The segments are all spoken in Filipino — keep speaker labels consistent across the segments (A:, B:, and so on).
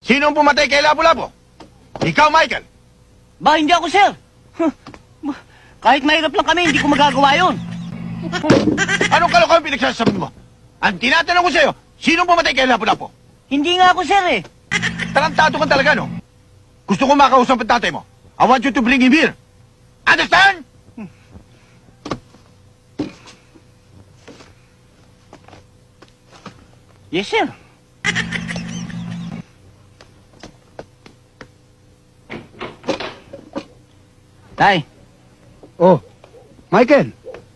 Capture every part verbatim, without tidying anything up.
A: Sino ang pumatay kay Lapu-Lapu? Ikaw, Michael.
B: Ba, hindi ako, sir. Kahit mahirap lang kami, hindi ko magagawa yun.
A: Anong kalokohan pinagsasabi mo? Ang tinatanong ko sa'yo, sino ang pumatay kay Lapu-Lapu?
B: Hindi nga ako, sir, eh.
A: Tarantado ka talaga, no? Gusto ko makausap ang tatay mo. I want you to bring him here. Understand?
B: Yes, sir. Tay,
C: Oh, Michael,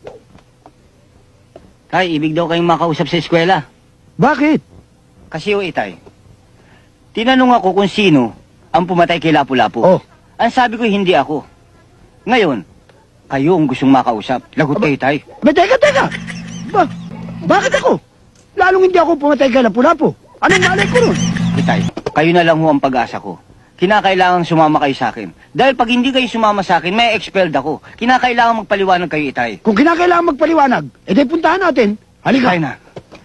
B: tay, ibig daw kayong makausap sa eskwela.
C: bakit?
B: Kasi o itay, tinanong ako kung sino ang pumatay kay Lapu-Lapu.
C: Oh.
B: Ang sabi ko, hindi ako. Ngayon, kayo ang gustong makausap. Lagot kayo, tay.
C: Ba, teka, teka! Ba, bakit ako? Lalong hindi ako pumatay kay Lapu-Lapu. Anong malay ko nun?
B: Itay, kayo na lang ho ang pag-asa ko. Kinakailangan sumama kayo sa akin. Dahil pag hindi kayo sumama sa akin, may expelled ako. Kinakailangan magpaliwanag kayo, itay.
C: Kung kinakailangan magpaliwanag, edi puntahan natin. Halika.
B: Kaya na.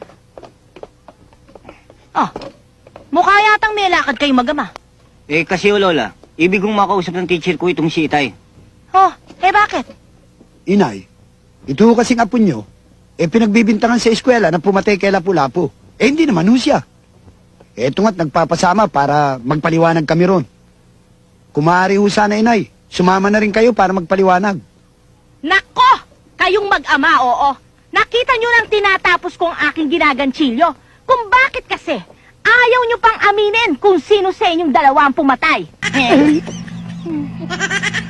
D: Ah, mukha yatang may lakad kayo magama.
B: Eh, kasi o Lola, ibig kong makausap ng teacher ko itong si itay.
D: Oh, eh bakit?
C: Inay, ito ho kasing apo nyo, eh pinagbibintangan sa eskwela na pumatay kay Lapu-Lapu. Eh hindi naman ho siya. Eto nga't nagpapasama para magpaliwanag kami ron. Kung maaari ho sana, inay, sumama na rin kayo para magpaliwanag.
D: Nako! Kayong mag-ama, oo. Nakita nyo nang tinatapos kong aking ginaganchilyo. Kung bakit kasi, ayaw nyo pang aminin kung sino sa inyong dalawa ang pumatay.